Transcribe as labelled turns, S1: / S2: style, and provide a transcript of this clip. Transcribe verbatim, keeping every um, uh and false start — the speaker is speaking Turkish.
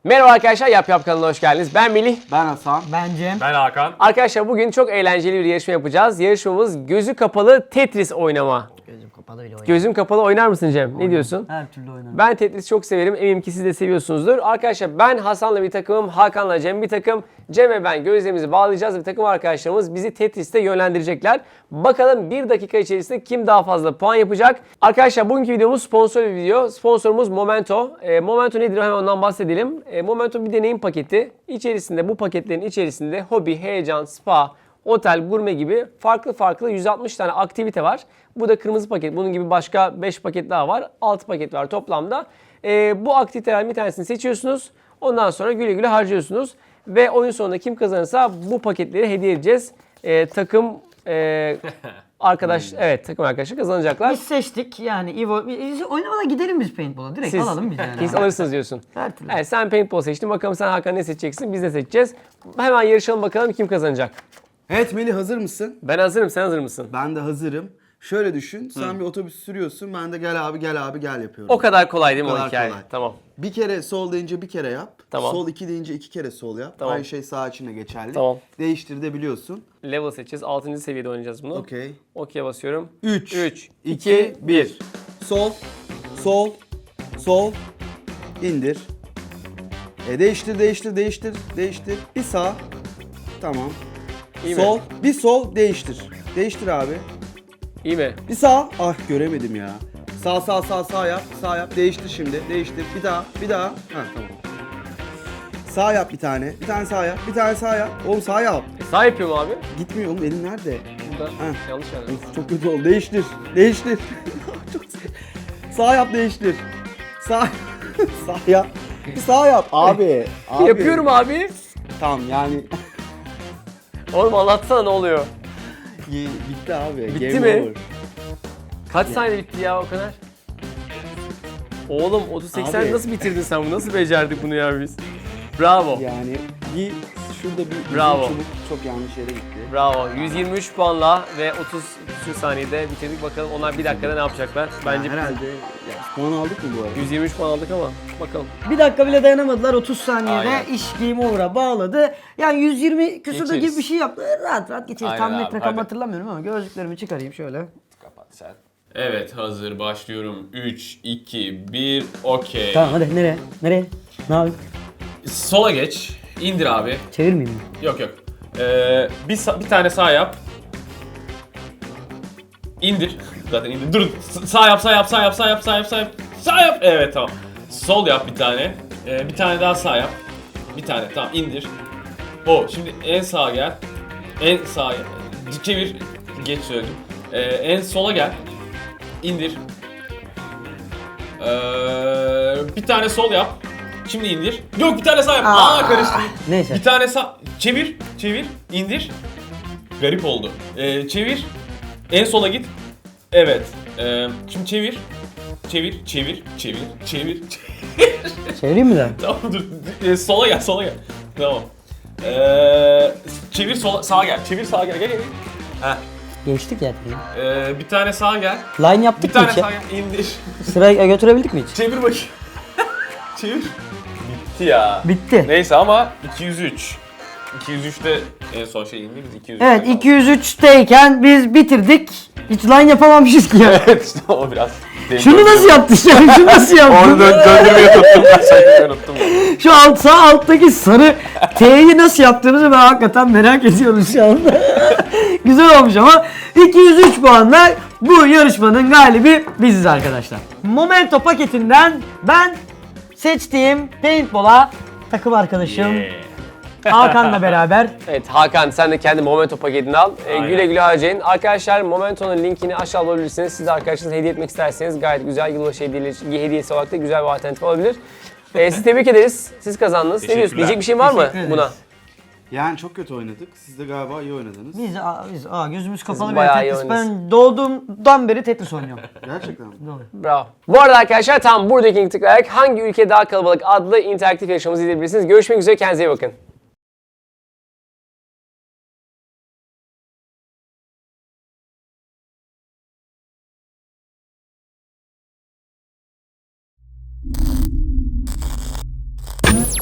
S1: Merhaba arkadaşlar, Yap Yap kanalına hoş geldiniz. Ben Melih.
S2: Ben Hasan.
S3: Ben Cem.
S4: Ben Hakan.
S1: Arkadaşlar bugün çok eğlenceli bir yarışma yapacağız. Yarışmamız gözü kapalı Tetris oynama.
S3: Gözüm kapalı bile oynar.
S1: Gözüm kapalı oynar mısın Cem? Ne diyorsun?
S3: Her türlü oynarım.
S1: Ben Tetris çok severim. Eminim ki siz de seviyorsunuzdur. Arkadaşlar ben Hasan'la bir takımım, Hakan'la Cem bir takım. Cem ve ben gözlerimizi bağlayacağız ve takım arkadaşlarımız bizi Tetris'te yönlendirecekler. Bakalım bir dakika içerisinde kim daha fazla puan yapacak? Arkadaşlar bugünkü videomuz sponsor bir video. Sponsorumuz Momento. E, Momento nedir? Hemen ondan bahsedelim. E, Momento bir deneyim paketi. İçerisinde, bu paketlerin içerisinde hobi, heyecan, spa, otel, gurme gibi farklı farklı yüz altmış tane aktivite var. Bu da kırmızı paket. Bunun gibi başka beş paket daha var. altı paket var toplamda. Ee, bu aktivitelerden bir tanesini seçiyorsunuz. Ondan sonra güle güle harcıyorsunuz. Ve oyun sonunda kim kazanırsa bu paketleri hediye edeceğiz. Ee, takım e, arkadaş, evet takım arkadaşı kazanacaklar.
S3: Biz seçtik yani İvo. Biz oynamadan gidelim biz paintball'a. Direkt
S1: Siz
S3: alalım biz yani.
S1: Siz alırsınız diyorsun.
S3: Her türlü.
S1: Evet, sen paintball seçtin. Bakalım sen Hakan ne seçeceksin? Biz de seçeceğiz. Hemen yarışalım bakalım kim kazanacak.
S2: Evet Melih, hazır mısın?
S1: Ben hazırım. Sen hazır mısın?
S2: Ben de hazırım. Şöyle düşün, sen bir otobüs sürüyorsun, ben de gel abi gel abi gel yapıyorum.
S1: O kadar kolay değil mi
S2: O
S1: o
S2: kadar
S1: hikaye?
S2: kolay.
S1: Tamam.
S2: Bir kere sol deyince bir kere yap.
S1: Tamam.
S2: Sol iki deyince iki kere sol yap.
S1: Tamam.
S2: Aynı şey sağ için de geçerli.
S1: Tamam.
S2: Değiştir de biliyorsun.
S1: Level seçeceğiz. altıncı seviyede oynayacağız bunu.
S2: Okey.
S1: Okey basıyorum.
S2: üç,
S1: üç,
S2: iki,
S1: iki, bir.
S2: Sol, sol, sol, indir. E değiştir, değiştir, değiştir, değiştir. Bir sağ. Tamam.
S1: İyi mi?
S2: Sol, bir sol, değiştir. Değiştir abi.
S1: İyi mi?
S2: Bir sağ. Ah göremedim ya. Sağ sağ sağ sağ yap. Sağ yap. Değiştir şimdi. Değiştir. Bir daha. Bir daha. Ha tamam. Sağ yap bir tane. Bir tane sağ yap. Bir tane sağ yap. Oğlum sağ yap.
S1: E, sağ yapıyorum abi.
S2: Gitmiyor oğlum, elin nerede?
S1: Burada.
S2: Heh.
S1: Yanlış yani.
S2: Of, çok kötü oldu. Değiştir. Değiştir. Çok sıkı. Sağ yap, değiştir. Sağ sağ yap. Bir sağ yap abi. Abi.
S1: Yapıyorum abi.
S2: Tamam yani.
S1: Oğlum anlatsana ne oluyor?
S2: Ye- Bitti abi.
S1: Bitti
S2: Game
S1: mi?
S2: over.
S1: Kaç saniyede bitti ya o kadar? Oğlum otuz seksen
S2: Abi.
S1: nasıl bitirdin sen bunu? Nasıl becerdik bunu ya biz? Bravo.
S2: Yani bir şurada bir
S1: Bravo.
S2: uzun çubuk çok yanlış yere gitti.
S1: Bravo. yüz yirmi üç puanla ve otuz küsur saniyede bitirdik. Bakalım onlar bir dakikada ne yapacaklar? Bence
S2: Herhalde ya, puan aldık mı bu arada?
S1: yüz yirmi üç puan aldık ama bakalım.
S3: Bir dakika bile dayanamadılar. otuz saniyede
S1: Aynen.
S3: iş game over'a bağladı. Yani yüz yirmi küsurda
S1: Geçeriz.
S3: gibi bir şey yaptı. Rahat rahat geçeriz.
S1: Aynen
S3: Tam
S1: abi,
S3: net rakam
S1: hadi.
S3: hatırlamıyorum ama gözlüklerimi çıkarayım şöyle.
S1: Kapat sen.
S4: Evet, hazır başlıyorum. üç, iki, bir, okey.
S3: Tamam hadi nereye? Nereye? Ne yapayım?
S4: Sola geç. İndir abi.
S3: Çevirmeyeyim mi?
S4: Yok yok. Ee, bir, sa- bir tane sağ yap. İndir. Zaten indir. Dur. S- Sağ yap, sağ yap, sağ yap, sağ yap, sağ yap, sağ yap. Sağ yap. Evet tamam. Sol yap bir tane. Ee, bir tane daha sağ yap. Bir tane. Tamam indir. O. Şimdi en sağa gel. En sağa çevir. Geç söyledim. Ee, en sola gel. İndir. Ee, bir tane sol yap. Şimdi indir. Yok bir tane sağ yap.
S3: Aa.
S4: Aa karıştı.
S3: Neyse.
S4: Bir tane sağ. Çevir. Çevir. İndir. Garip oldu. Ee, çevir. En sola git. Evet. Ee, şimdi çevir. Çevir. Çevir. Çevir. Çevir.
S3: Çevireyim mi de?
S4: Tamam dur. Ee, sola gel. Sola gel. Tamam. Ee, çevir sola. Sağa gel. Çevir sağa gel. Gel gel. gel. Heh.
S3: Geçtik ya.
S4: Ee, bir tane sağa gel.
S3: Line
S4: Bir
S3: yaptık mı
S4: tane
S3: hiç?
S4: sağa gel. İndir.
S3: Sıraya götürebildik mi hiç?
S4: Çevir bakayım. Çevir. Bitti ya.
S3: Bitti.
S4: Neyse ama iki yüz üç. iki yüz üçte en son şey indi biz iki yüz üçte
S3: Evet
S4: kaldık.
S3: iki yüz üçteyken biz bitirdik. Hiç line yapamamışız ki ya.
S4: Evet işte o biraz.
S3: Şunu nasıl yaptın sen? Şunu nasıl yaptın?
S4: Onu dö- döndürmeyi unuttum ben saymayı unuttum.
S3: Şu alt sağ alttaki sarı T'yi nasıl yaptığımızı ben hakikaten merak ediyorum şu anda. Güzel olmuş ama iki yüz üç puanla bu yarışmanın galibi biziz arkadaşlar. Momento paketinden ben seçtiğim paintball'a takım arkadaşım Hakan'la beraber
S1: Evet Hakan sen de kendi Momento paketini al. Ee,
S4: Aynen.
S1: güle güle harcayın. Arkadaşlar Momento'nun linkini aşağı bulabilirsiniz. Siz de arkadaşlarınıza hediye etmek isterseniz gayet güzel yılbaşı hediyesi, hediyesi olarak da güzel bir alternatif olabilir. Ee, sizi tebrik ederiz. Siz kazandınız. Ne diyorsun?
S4: Teşekkürler.
S1: Diyecek bir şey var mı
S3: Teşekkür ederiz.
S1: buna?
S2: Yani çok kötü oynadık. Siz de galiba iyi oynadınız.
S3: biz, aa, biz aa, gözümüz kapalı bir
S1: bayağı iyi
S3: Tetris.
S1: oynuyorsunuz.
S3: Ben doğduğumdan beri Tetris oynuyorum.
S2: Gerçekten mi?
S3: Doğru.
S1: Bravo. Bu arada arkadaşlar tam buradaki linki tıklayarak hangi ülke daha kalabalık adlı interaktif yarışmamızı izleyebilirsiniz. Görüşmek üzere, kendinize iyi bakın.